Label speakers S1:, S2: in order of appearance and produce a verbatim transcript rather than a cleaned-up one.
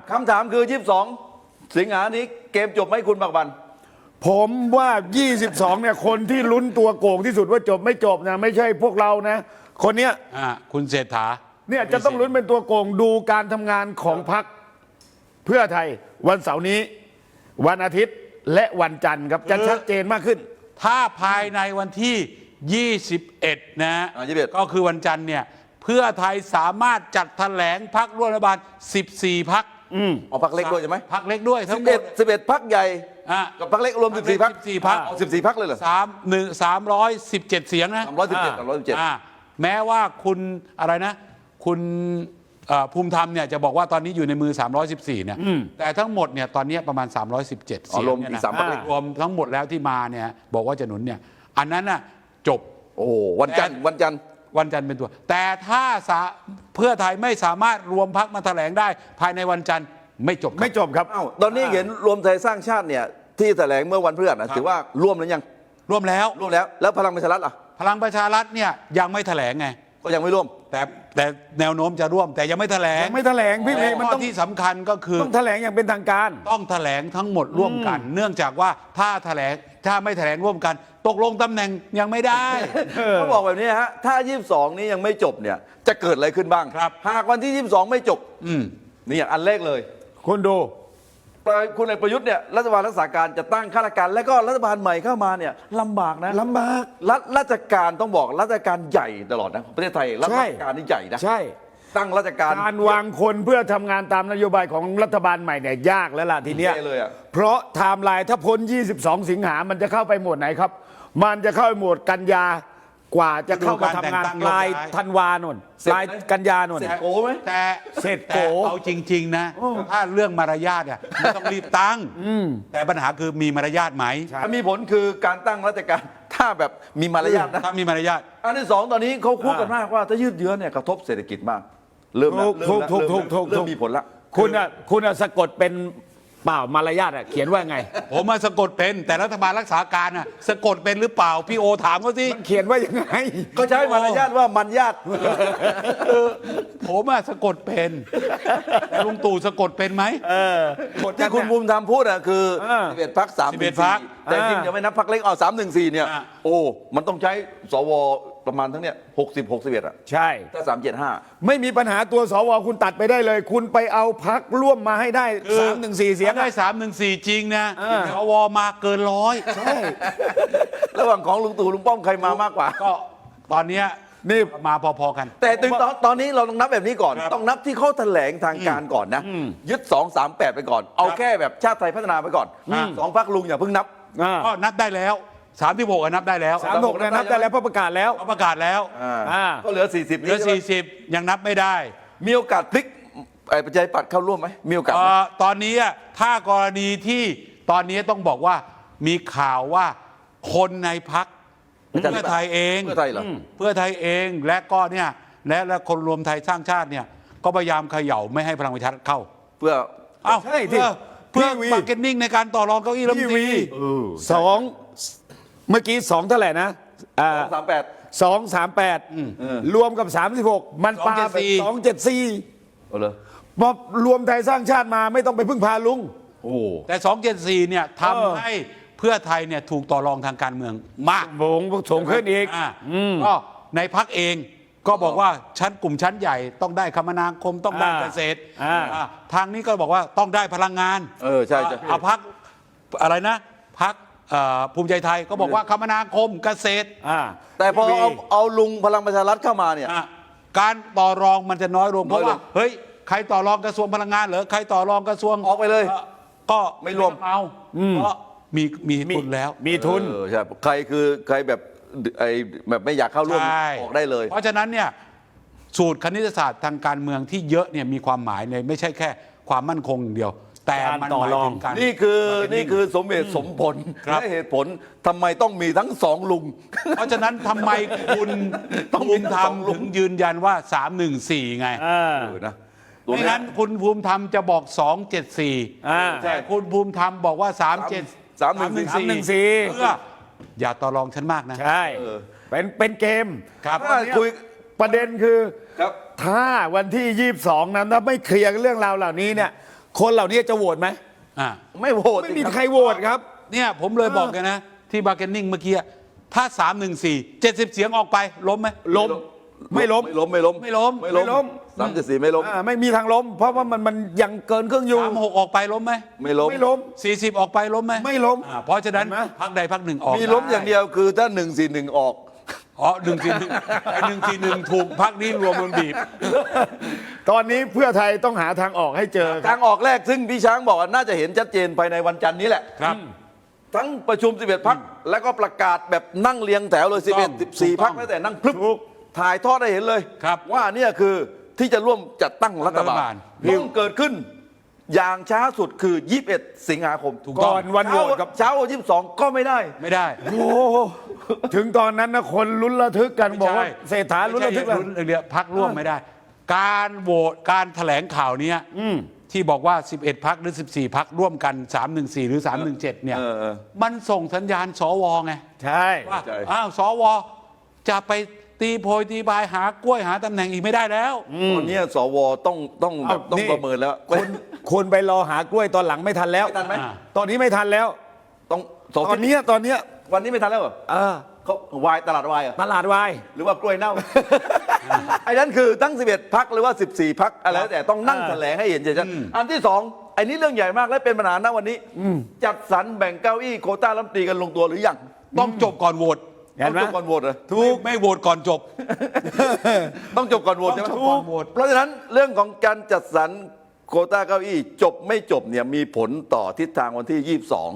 S1: คำถามคือยี่สิบสองสิงหานี้เกมจบไหมคุณบักบัน
S2: ผมว่ายี่สิบสองเนี่ยคนที่ลุ้นตัวโกงที่สุดว่าจบไม่จบนะไม่ใช่พวกเรานะคนเนี้ย
S3: อ่าคุณเศรษฐา
S2: เนี่ยจะต้องลุ้นเป็นตัวโกงดูการทำงานของพรรคเพื่อไทยวันเสาร์นี้วันอาทิตย์และวันจันทร์ครับจะชัดเจนมากขึ้น
S3: ถ้าภายในวันที่ยี่สิบเอ็ดนะก็คือวันจันทร์เนี่ยเพื่อไทยสามารถจัดแถลงพรรคร่วมรัฐบาลสิบสี่พรรค
S1: อืมเอาพรรคเล็กด้วยใช่ไหม
S3: พรรคเล็กด้วยทั้งหมด
S1: สิบเอ็ดพรรคใหญ่กับพรรคเล็กรวมสิบสี่พรรค
S3: สิบพรรค
S1: เอาสิบสี่พรรคเลยเหรอ
S3: สามหนึ่งสามร้อยสิบเจ็ดเสียงนะ
S1: สามร้อยสิบเจ็ดสามร้อยสิบเจ็ด
S3: แม้ว่าคุณอะไรนะคุณภูมิธรรมเนี่ยจะบอกว่าตอนนี้อยู่ในมือสามร้อยสิบสี่เนี่ยแต่ทั้งหมดเนี่ยตอนนี้ประมาณสามร้อยสิบเจ็ดเสียงเนี่ยนะรวมทั้งหมดแล้วที่มาเนี่ยบอกว่าจะหนุนเนี่ยอันนั้นน่ะจบ
S1: โอ้วันจันทร์วันจันทร์
S3: วันจันทร์เป็นตัวแต่ถ้าเพื่อไทยไม่สามารถรวมพรรคมาแถลงได้ภายในวันจันทร์ไม่จบ
S2: ไม่จบครับ
S1: อ้าวตอนนี้เห็นรวมไทยสร้างชาติเนี่ยที่แถลงเมื่อวันพฤหัสนะถือว่าร่วมแล้วยัง
S3: ร่วมแล้ว
S1: ร่วมแล้วแล้วพลังประชารัฐล่ะ
S3: พลังประชารัฐเนี่ยยังไม่แถลงไง
S1: ก็ยังไม่ร่วม
S3: แต่แต่แนวโน้มจะร่วมแต่ยังไม่แถลง
S2: ยังไม่แถลงพี่เอกมันต้อง
S3: ที่สำคัญก็คือ
S2: ต้องแถลงอย่างเป็นทางการ
S3: ต้องแถลงทั้งหมดร่วมกันเนื่องจากว่าถ้าแถลงถ้าไม่แถลงร่วมกันตกลงตำแหน่งยังไม่ได้
S1: เขาบอกแบบนี้ฮะถ้ายี่สิบสองนี้ยังไม่จบเนี่ยจะเกิดอะไรขึ้นบ้าง
S3: ครับ
S1: หากวันที่ยี่สิบสองไม่จบ
S3: อืม
S1: นี่อย่างอันแรกเลย
S2: คุณดู
S1: คุณเอกประยุทธ์เนี่ยรัฐบาลรักษาการจะตั้งข้าราชการและก็รัฐบาลใหม่เข้ามาเนี่ยลำบากนะ
S2: ลำบาก
S1: รัฐราชการต้องบอกรัฐการใหญ่ตลอดนะประเทศไทยรัฐการนี่ใหญ่นะ
S2: ใช่
S1: ตั้งราชการ
S2: การวางคนเพื่อทำงานตามนโยบายของรัฐบาลใหม่เนี่ยยากแล้วล่ะทีเนี้ยเพราะไทม์ไลน์ถ้าพ้นยี่สิบสองสิงหามันจะเข้าไปหมวดไหนครับมันจะเข้าไปหมวดกันยากว่าจะเข้ามาทำงานปลายธันวาโน่นปลายกันยาโน่น
S1: เสร็จโก้ไหม
S3: แต่
S2: เสร็จ
S3: โก้เอาจริงๆนะถ้าเรื่องมารยาทเนี่ยไม่ต้องรีบตั้งแต่ปัญหาคือมีมารยาทไหม
S1: มีผลคือการตั้งราชการถ้าแบบมีมารยาทนะ
S3: ถ้ามีมารยาท
S1: อันที่สองตอนนี้เขาพูดกันมากว่าถ้ายืดเยื้อเนี่ยกระทบเศรษฐกิจมากเริ่มแล้วเริ่มมีผลละ
S2: คุณอ่ะคุณอ่ะสะกดเป็นเปล่ามารยาทอ่ะเขียนว่าไง
S3: ผมมาสะกดเป็นแต่รัฐบาลรักษาการอ่ะสะกดเป็นหรือเปล่าพี่โอถามเขาสิ
S2: เขียนว่ายังไง
S1: ก็ใช้มารยาทว่ามันญาติ
S3: ผมอ่ะสะกดเป็นแต่ลุงตู่สะกดเป็นไหม
S1: ที่คุณภูมิธรรมพูดอ่ะคือสิบเอ็ดพรรคสามสิบเอ็ดพรรคแต่จริงจะไม่นับพรรคเล็กเอาสามหนึ่งสี่เนี่ยโอ้มันต้องใช้สวประมาณทั้งเนี้ยหกสิบหกสิบเอ็ดอ่ะ
S2: ใช่
S1: ถ้าสามเจ็ดห้า
S2: ไม่มีปัญหาตัวสวคุณตัดไปได้เลยคุณไปเอาพรรคร่วมมาให้ได้สามหนึ่งสี่เสียง
S3: ได้สามหนึ่งสี่จริงนะสวมาเกินร้อย
S2: ใช่
S1: ระหว่างของลุงตู่ลุงป้อมใครมามากกว่า
S3: ก็ตอนนี้นี่มาพอๆกัน
S1: แต่ถึงตอนตอนนี้เราต้องนับแบบนี้ก่อนต้องนับที่เขาแถลงทางการก่อนนะยึดสองสามแปดไปก่อนเอาแค่แบบชาติไทยพัฒนาไปก่อนสองพรรคลุงอย่าเพิ่งนับ
S3: ก็นับได้แล้วสามที่หกนับได้แล้ว
S2: สามหกนับได้แล้วเพราะประกาศแล้ว
S3: ประกาศแล้ว
S1: ก็เหลือสี่สิบ
S3: เหลือสี่สิบยังนับไม่ได้
S1: มีโอกาสพลิกไอ้ประชาธิปัตย์เข้าร่วมไหมมีโอกาส
S3: ตอนนี้ถ้ากรณีที่ตอนนี้ต้องบอกว่ามีข่าวว่าคนในพรรคเพื่อไทยเอง
S1: เพื่อไทยเหรอ
S3: เพื่อไทยเองและก็เนี่ยและและคนรวมไทยสร้างชาติเนี่ยก็พยายามเขย่าไม่ให้พลังประชารัฐเข้า
S1: เพื่อ
S3: เอ้าเพื่อเพื่อมาร์เก็ตติ้งในการต่อรองเก้าอี้รัฐมนตรี
S2: สองเมื่อกี้สองเท่าไหร่นะ
S1: สามแปด
S2: สองสามแปดรวมกับสามสิบหกมันปาไปสองเจ็ดสี่มารวมไทยสร้างชาติมาไม่ต้องไปพึ่งพาลุง
S3: โอ้แต่สองเจ็ดสี่เนี่ยทำให้เพื่อไทยเนี่ยถูกต่อรองทางการเมืองมาก
S2: วงส่งขึ้นอีก
S3: ก็ในพรรคเองก็บอกว่าชั้นกลุ่มชั้นใหญ่ต้องได้คมนาคมต้องได้เกษตรทางนี้ก็บอกว่าต้องได้พลังงาน
S1: เออใช่
S3: เอาพรรคอะไรนะพรรคภูมิใจไทยก็บอกว่าคมนาคมเกษตร
S1: แต่พอเอาเอาลุงพลังประชารัฐเข้ามาเนี่ย
S3: การต่อรองมันจะน้อยลงเพราะว่าเฮ้ยใครต่อรองกระทรวงพลังงานเหรอใครต่อรองกระทรวง
S1: ออกไปเลย
S3: ก็
S1: ไม่รวม
S3: เอาเพราะมีมีทุนแล้ว
S2: มีทุน
S1: ใช่ใครคือใครแบบไอ้แบบไม่อยากเข้าร่วมออกได้เลย
S3: เพราะฉะนั้นเนี่ยสูตรคณิตศาสตร์ทางการเมืองที่เยอะเนี่ยมีความหมายในไม่ใช่แค่ความมั่นคงอย่างเดียวแต่มันหมายถึงการ
S1: นี่คือนี่คือสมเหตุสมผลและเหตุผลทำไมต้องมีทั้งสองลุง
S3: เพราะฉะนั้นทำไมคุณภูมิธรรมถึงยืนยันว่าสามหนึ่งสี่ไง
S1: นะ
S3: ไม่งั้นคุณภูมิธรรมจะบอกสองเจ็ดสี่แต่คุณภูมิธรรมบอกว่าสามเจ็ด
S1: สามหนึ่ง
S2: สี่
S3: เพื่ออย่าต่อรองฉันมากนะ
S2: ใช่เป็นเป็นเกม
S3: ครับ
S2: คุยประเด็นคือถ้าวันที่ยี่สิบสองนั้นถ้าไม่เคลียร์เรื่องราวเหล่านี้เนี่ยคนเหล่านี้จะโหวตไหม
S3: อ่า
S1: ไม่โหวต
S2: ไม่มีใครโหวตครับ
S3: เนี่ยผมเลยบอกกันนะ ที่บาร์เกนนิ่งเมื่อกี้ถ้าสามหนึ่งสี่เจ็ดสิบเสียงออกไปล้มไหม
S2: ล้ม ไม่ล้ม
S1: ไม่ล้มไม่ล้ม
S3: ไม่ล้ม
S1: ไม่ล้มสามเจ็ดสี่ไม่ล้ม
S2: อ่าไม่มีทางล้ม เพราะว่ามันมันยังเกินครึ่งอยู่
S3: สามหกออกไปล้มไหม
S1: ไม่ล้ม
S2: ไม่ล้ม
S3: สี่สิบออกไปล้มไหม
S2: ไม่ล้ม
S3: อ่าเพราะฉะนั้น
S2: เห็นไหม
S3: พักใดพักหนึ่งออก
S1: มีล้มอย่างเดียวคือถ้าหนึ่งสี่หนึ่งออก
S3: อ๋อหนึ่งสี่หนึ่งไอ้หนึ่งสี่หนึ่งถูกพักนี้รวมมันบีบ
S2: ตอนนี้เพื่อไทยต้องหาทางออกให้เจอค
S1: ทา
S2: รับ
S1: งออกแรกซึ่งพี่ช้างบอกว่าน่าจะเห็นชัดเจนภายในวันจันทร์นี้แหละ
S3: ครับ
S1: ทั้งประชุมสิบเอ็ดพักแล้วก็ประกาศแบบนั่งเรียงแถวเลย
S3: ถู
S1: สิ
S3: ก
S1: บ
S3: ต้
S1: เอ็
S3: อ
S1: ด
S3: ง
S1: สิบสี่
S3: ถูกต้
S1: พั
S3: อก ง
S1: แล้วแต่นั่งพลึบ
S2: ถูก
S1: ถ่ายทอดได้เห็นเลย
S3: ครับ
S1: ว่าเนี่ยคือที่จะร่วมจัดตั้งรัฐบา
S3: รัฐบา
S1: ล
S3: ล
S1: ต้องเกิดขึ้น อย่างช้าสุดคือยี่สิบเอ็ดสิงหาคม
S3: ถูกต้อง
S2: ก่อนวันโหวตครับ
S1: เช้ายี่สิบสองก็ไม่ได้
S3: ไม่ได้
S2: โอ้โหถึงตอนนั้นนะคนลุ้นระทึกกันบอกว่า
S3: ไม่ใช่
S2: เศรษฐาลุ้นระทึก
S3: ไม่
S2: เล
S3: ใช่
S2: ย
S3: ลุ้นเรียพักร่วมไม่ได้ การโหวตการแถลงข่าวเนี้ยที่บอกว่า สิบเอ็ด พักหรือ สิบสี่ พักร่วมกัน สามหนึ่งสี่ หรือ สามหนึ่งเจ็ด เนี่ย
S1: เออเออ
S3: มันส่งสัญญาณสวไง
S2: ใช่
S3: ว่า
S1: ใช่
S3: อ้าวสวจะไปตีโพยตีบายหากล้วยหาตำแหน่งอีกไม่ได้แล้ว
S1: ตอนเนี้ยสวต้องต้องแบบ
S2: เอา
S1: ต้อง
S2: นี่
S1: ประเมินแล้ว
S2: คุณคุณไปรอหากล้วยตอนหลังไม่ทันแล้ว
S1: ไม่ทันไหม
S3: อ่า
S2: ตอนนี้ไม่ทันแล้ว
S1: ต้องสอง
S2: ตอนเนี้ยตอนเนี้ย
S1: วันนี้ไม่ทันแล้วเหรอ
S2: เออ
S1: เขาวายตลาดวายเหรอ
S2: ตลาดวาย
S1: หรือว่ากล้วยเน่า ไอ้นั้นคือตั้งสิบเอ็ดพักหรือว่าสิบสี่พักอะไรแล้วแต่ต้องนั่ง
S2: อ่า
S1: แถลงให้เห็นชัดๆอันที่สองไอ้นี้เรื่องใหญ่มากและเป็นปัญหาณวันนี้ จัดสรรแบ่งเก้าอี้โควต้ารัฐมนตรีกันลงตัวหรือยัง
S3: ต้องจบก่อนโหวต
S2: เห็นไหม
S1: ต้องจบก่อนโหวตเหรอ
S3: ถูกไม่โหวตก่อนจบ
S1: ต้องจบก่อนโหวตใช่ไหม
S3: ต้องจบก่อนโหวต
S1: เพราะฉะนั้นเรื่องของการจัดสรรโควต้าเก้าอี้จบไม่จบเนี่ยมีผลต่อทิศทางวันที่ยี่สิบสอง